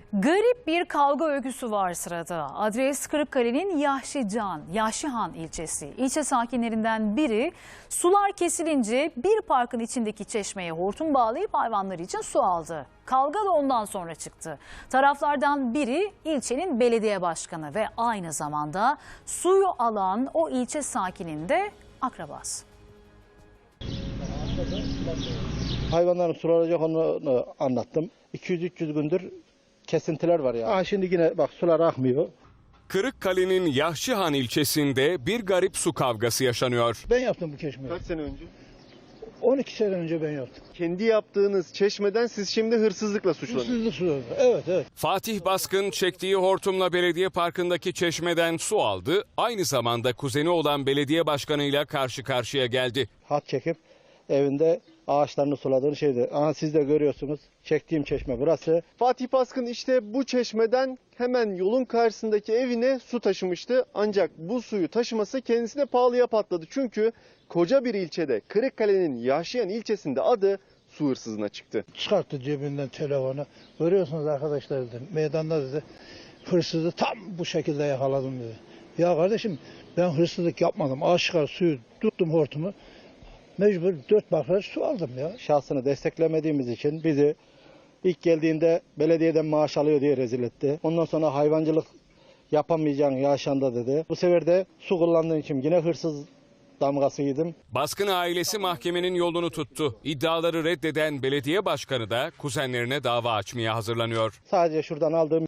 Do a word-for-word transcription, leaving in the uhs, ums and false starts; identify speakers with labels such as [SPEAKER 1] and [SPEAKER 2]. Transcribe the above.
[SPEAKER 1] Garip bir kavga öyküsü var sırada. Adres Kırıkkale'nin Yahşican, Yahşihan ilçesi. İlçe sakinlerinden biri sular kesilince bir parkın içindeki çeşmeye hortum bağlayıp hayvanlar için su aldı. Kavga da ondan sonra çıktı. Taraflardan biri ilçenin belediye başkanı ve aynı zamanda suyu alan o ilçe sakininin de akrabası.
[SPEAKER 2] Hayvanların sulanacak onu anlattım. iki yüz üç yüz gündür kesintiler var ya. Aa, şimdi yine bak sular akmıyor.
[SPEAKER 3] Kırıkkale'nin Yahşihan ilçesinde bir garip su kavgası yaşanıyor.
[SPEAKER 2] Ben yaptım bu çeşmeyi.
[SPEAKER 4] Kaç sene önce?
[SPEAKER 2] on iki sene önce ben yaptım.
[SPEAKER 4] Kendi yaptığınız çeşmeden siz şimdi hırsızlıkla suçlanıyorsunuz.
[SPEAKER 2] Hırsızlık suları. Evet evet.
[SPEAKER 3] Fatih Baskın çektiği hortumla belediye parkındaki çeşmeden su aldı. Aynı zamanda kuzeni olan belediye başkanıyla karşı karşıya geldi.
[SPEAKER 2] Hat çekip evinde ağaçlarını suladığını şeydi. Aha siz de görüyorsunuz. Çektiğim çeşme burası.
[SPEAKER 4] Fatih Baskın işte bu çeşmeden hemen yolun karşısındaki evine su taşımıştı. Ancak bu suyu taşıması kendisine pahalıya patladı. Çünkü koca bir ilçede, Kırıkkale'nin Yahşihan ilçesinde adı su hırsızına çıktı.
[SPEAKER 2] Çıkarttı cebinden telefonu. Görüyorsunuz arkadaşlar dedi. Meydanda dedi. Hırsızı tam bu şekilde yakaladım dedi. Ya kardeşim ben hırsızlık yapmadım. Aşikar suyu tuttum hortumu. Mecbur dört bakır su aldım ya. Şahsını desteklemediğimiz için bizi ilk geldiğinde belediyeden maaş alıyor diye rezil etti. Ondan sonra hayvancılık yapamayacağın yaşanda dedi. Bu sefer de su kullandığın için yine hırsız damgası yedim.
[SPEAKER 3] Baskın ailesi mahkemenin yolunu tuttu. İddiaları reddeden belediye başkanı da kuzenlerine dava açmaya hazırlanıyor.
[SPEAKER 2] Sadece şuradan aldığım